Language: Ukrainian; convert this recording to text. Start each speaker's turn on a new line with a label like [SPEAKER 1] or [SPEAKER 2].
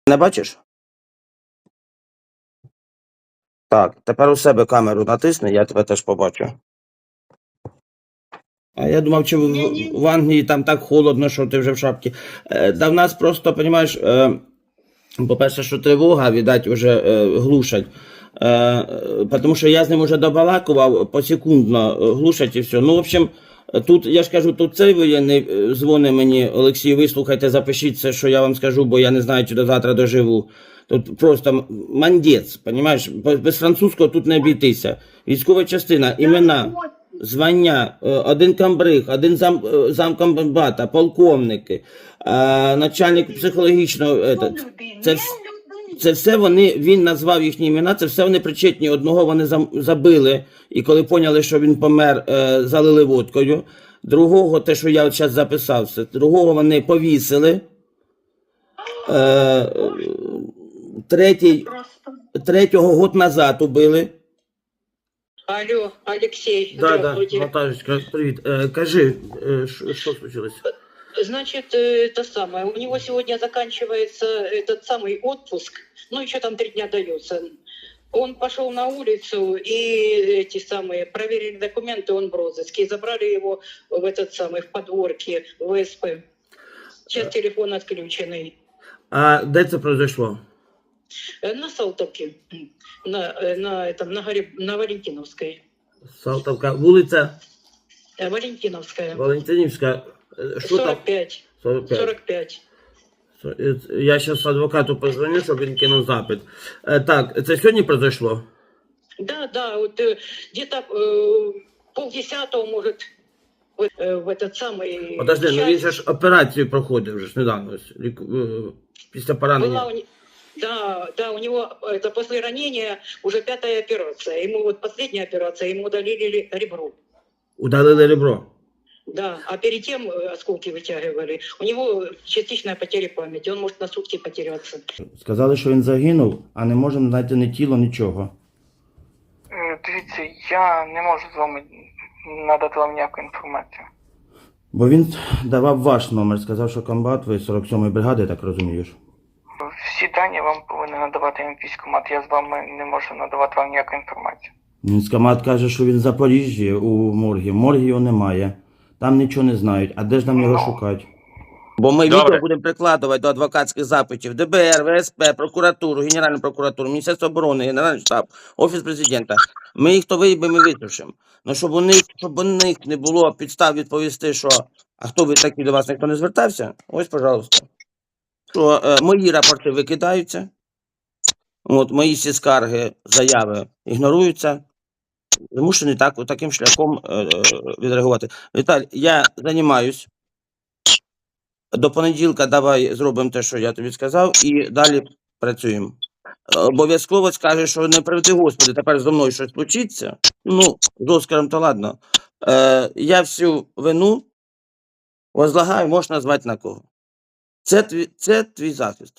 [SPEAKER 1] Не бачиш? Так, тепер у себе камеру натисни, я тебе теж побачу. А я думав, чи в Англії там так холодно, що ти вже в шапці. Да в нас просто, розумієш, по-перше, що тривога, видать, вже глушать. Тому що я з ним вже добалакував, посекундно глушать і все. Ну, в общем, тут, я ж кажу, тут цей воєнний дзвонить мені, Олексій, вислухайте, запишіть це, що я вам скажу, бо я не знаю, чи до завтра доживу. Тут просто мандець, розумієш, без французького тут не обійтися. Військова частина, імена, звання, один комбриг, один замкомбата, полковники, начальник психологічного, це все він назвав їхні імена, це все вони причетні. Одного вони забили, і коли поняли, що він помер, залили водкою. Другого, те, що я от зараз записав, другого вони повісили. Третього год назад убили.
[SPEAKER 2] Алло, Алексей,
[SPEAKER 1] да,
[SPEAKER 2] здравствуйте.
[SPEAKER 1] Наташечка, привіт. Кажи, що случилось?
[SPEAKER 2] Значит, это самое, у него сегодня заканчивается этот самый отпуск, ну еще там 3 дня дается. Он пошел на улицу, и эти самые, проверили документы, он в розыске, и забрали его в этот самый, в подворке, в ВСП. Сейчас телефон отключенный.
[SPEAKER 1] А де це произошло?
[SPEAKER 2] На Салтовке, на Валентиновской.
[SPEAKER 1] Салтовка, вулиця?
[SPEAKER 2] Валентиновская.
[SPEAKER 1] Валентинівська.
[SPEAKER 2] 45. 45.
[SPEAKER 1] Я зараз адвокату позвоню, щоб він кинув запит. Так, це сьогодні произошло?
[SPEAKER 2] Да, вот где-то 9:30, может, в этот самый...
[SPEAKER 1] Подожди, ну він же ж операцію проходив вже ж недавно, після поранення.
[SPEAKER 2] Да, у него это после ранения уже 5-я операция. Ему вот последняя операция, ему удалили ребро.
[SPEAKER 1] Удалили ребро?
[SPEAKER 2] Да, а перед тем осколки вытягивали. У него частичная потеря памяти, он может на сутки потеряться.
[SPEAKER 1] Сказали, що він загинув, а не можемо знайти ні тіло, нічого.
[SPEAKER 3] Дивіться, я не можу з вами надати вам ніяку інформацію.
[SPEAKER 1] Бо він давав ваш номер, сказав, що комбат, ви 47-ї бригади, я так розумієш.
[SPEAKER 3] Всі дані вам повинен надавати військкомат, я з вами не можу надавати вам ніяку інформацію.
[SPEAKER 1] Військкомат каже, що він в Запоріжжі у моргі. В моргі його немає. Там нічого не знають. А де ж нам його шукати? Бо ми відео будемо прикладувати до адвокатських запитів ДБР, ВСП, прокуратуру, Генеральну прокуратуру, Міністерство оборони, Генеральний штаб, Офіс президента. Ми їх то виїбемо і висушимо. Ну, щоб у них не було підстав відповісти, що а хто ви такі, до вас ніхто не звертався? Ось, пожалуйста. Що мої рапорти викидаються, от, мої всі скарги, заяви ігноруються. Змушений таким шляхом відреагувати. Віталь, я займаюсь. До понеділка давай зробимо те, що я тобі сказав, і далі працюємо. Обов'язково скажеш, що не приведи Господи, тепер зі мною щось случиться. Ну, з Оскаром то ладно. Я всю вину возлагаю, можеш назвати на кого. Це твій захист.